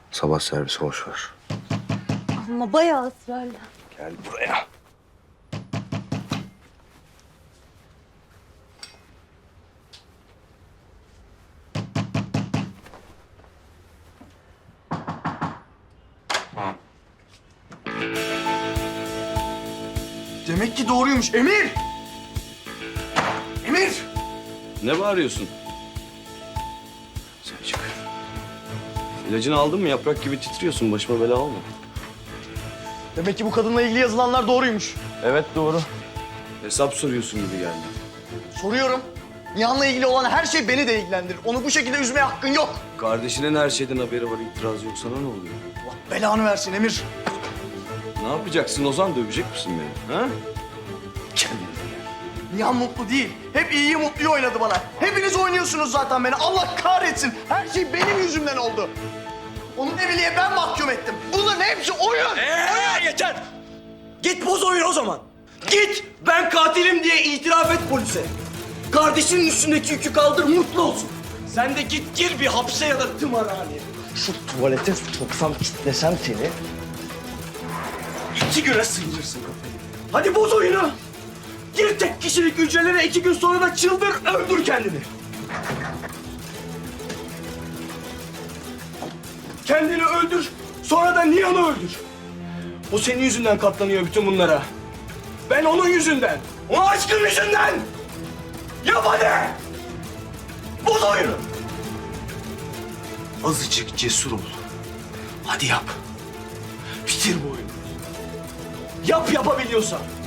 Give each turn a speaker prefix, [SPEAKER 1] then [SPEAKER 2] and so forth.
[SPEAKER 1] Sabah servisi boş ver.
[SPEAKER 2] Ama bayağı ısrarlı.
[SPEAKER 1] Gel buraya.
[SPEAKER 3] Demek ki doğruymuş. Emir! Emir!
[SPEAKER 1] Ne bağırıyorsun? Sen çık. İlacını aldın mı? Yaprak gibi titriyorsun. Başıma bela olma.
[SPEAKER 3] Demek ki bu kadınla ilgili yazılanlar doğruymuş.
[SPEAKER 1] Evet doğru. Hesap soruyorsun gibi geldi.
[SPEAKER 3] Soruyorum. Nihan'la ilgili olan her şey beni de ilgilendirir. Onu bu şekilde üzmeye hakkın yok.
[SPEAKER 1] Kardeşinin her şeyden haberi var. İtiraz yok. Sana ne oluyor?
[SPEAKER 3] Allah belanı versin Emir.
[SPEAKER 1] Ne yapacaksın Ozan? Dövecek misin beni? Ha? Kendine gel.
[SPEAKER 3] Nihan mutlu değil. Hep iyiyi mutluyu oynadı bana. Hepiniz oynuyorsunuz zaten beni. Allah kahretsin. Her şey benim yüzümden oldu. Onun evliliğe ben mahkum ettim. Bunların hepsi oyun.
[SPEAKER 4] Yeter! Git boz oyun o zaman. Git ben katilim diye itiraf et polise. Kardeşinin üstündeki yükü kaldır mutlu olsun. Sen de git gir bir hapse ya da tımarhaneye. Şu tuvalete soksam kitlesem seni. 2 güne sıyırırsın kafayı. Hadi boz oyunu. Gir tek kişilik hücrelere 2 gün sonra da çıldır öldür kendini. Kendini öldür, sonra da Nihan'ı öldür. O senin yüzünden katlanıyor bütün bunlara. Ben onun yüzünden, o aşkın yüzünden. Yap hadi! Boz oyunu! Azıcık cesur ol. Hadi yap. Bitir bu oyunu. Yap yapabiliyorsan.